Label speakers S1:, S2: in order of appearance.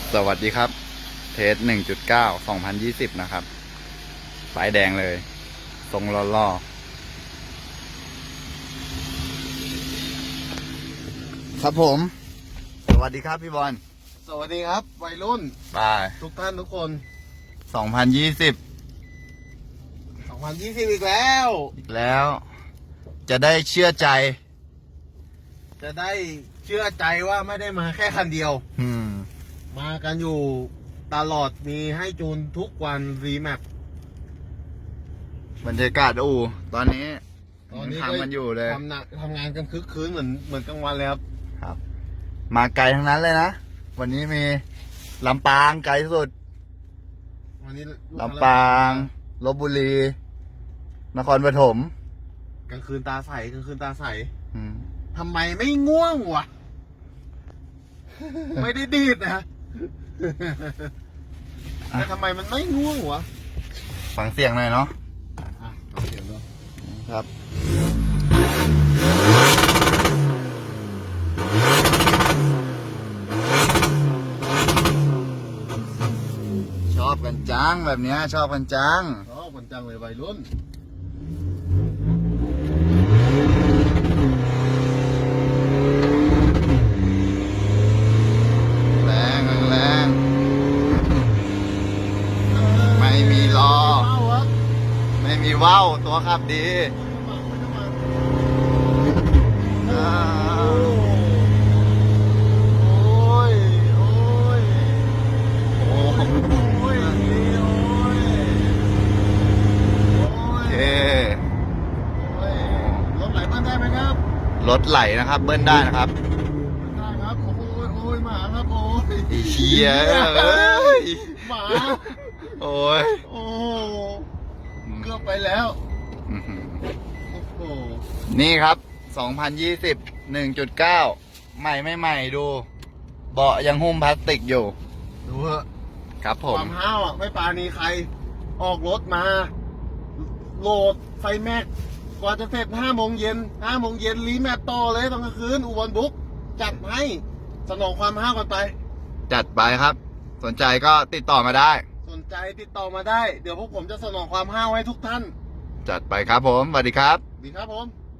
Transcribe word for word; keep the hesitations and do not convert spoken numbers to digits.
S1: สวัสดีครับเทสหนึ่งจุดเก้าสองพันยี่สิบนะครับป้ายแดงเลยทรงล่อๆครับผม สวัสดีครับพี่บอล
S2: สวัสดีครับวัยรุ่น
S1: ไป
S2: ทุกท่านทุกคน
S1: สองพันยี่สิบ
S2: สองพันยี่สิบอีกแล้ว
S1: อีกแล้ว จะได้เชื่อใจ
S2: จะได้เชื่อใจว่าไม่ได้มาแค่คันเดียว
S1: อืม
S2: มากันอยู่ตลอดมีให้จูนทุกวันรีแมป
S1: บรรยากาศอู่ตอนนี้
S2: ตอนนี้
S1: ทำมันอยู่เลย
S2: ทำหนักทำงานกันคึกคืนเหมือนเหมือนกลางวันเลยครับ
S1: ครับ มาไกลทั้งนั้นเลยนะ วันนี้มีลำปางไกลสุด
S2: วันนี้
S1: ลำปางลพบุรี นครปฐม
S2: กลางคืนตาใสกลางคืนตาใส
S1: อืม
S2: ทำไมไม่ง่วงวะ ไม่ได้ดีดนะแต่ทำไมมันไม่ง่วงวะ
S1: ฟังเสียงหน่อยเนาะ
S2: อ่ะเอาเสียงดู
S1: ครับ ชอบกันจังแบบเนี้ยชอบกันจัง
S2: ชอบคนจังเลยวัยรุ่น
S1: แรงแรงแรงไม่มีรอ
S2: เอาวะ
S1: ไม่มีว่าวตัวขับดีอ่า
S2: โอ้ย โอ้ย
S1: โอ้
S2: โอ้ย โอ้ย
S1: โอเค
S2: โอ้ยรถไหลบ้านได้ไหมครับ
S1: รถไหลนะครับเบิ้ลได้นะครับ
S2: ได้ครับ โอ้ย โอ้ยหมาครับ โอ้ย
S1: ไอ้เหี้ยเอ้ย
S2: หมา
S1: โอ้ย
S2: โอ้เกือบไปแล้ว
S1: อื้อหือ
S2: โอ้โห
S1: นี่ครับ สองพันยี่สิบ หนึ่งจุดเก้า ใหม่ไม่ใหม่ดู เบาะยังหุ้มพลาสติกอยู่
S2: ดูเถอะ
S1: ครับผ
S2: ค
S1: ม
S2: วามห้าวอ่ะ ไม่ปราณีใคร ออกรถมา โหลดไฟแม็ก กว่าจะเสร็จห้าโมงเย็นห้าโมงเย็นรีแมปต่อเลยตอนกลางคืน อุบลบุ๊กจัดให้สนองความห้าวกันไป
S1: จัดไปครับ สนใจก็ติดต่อมาได้
S2: สนใจติดต่อมาได้ เดี๋ยวพวกผมจะสนองความห้าวให้ทุกท่าน
S1: จัดไปครับผมสวัสดีครับ
S2: ดีครับผม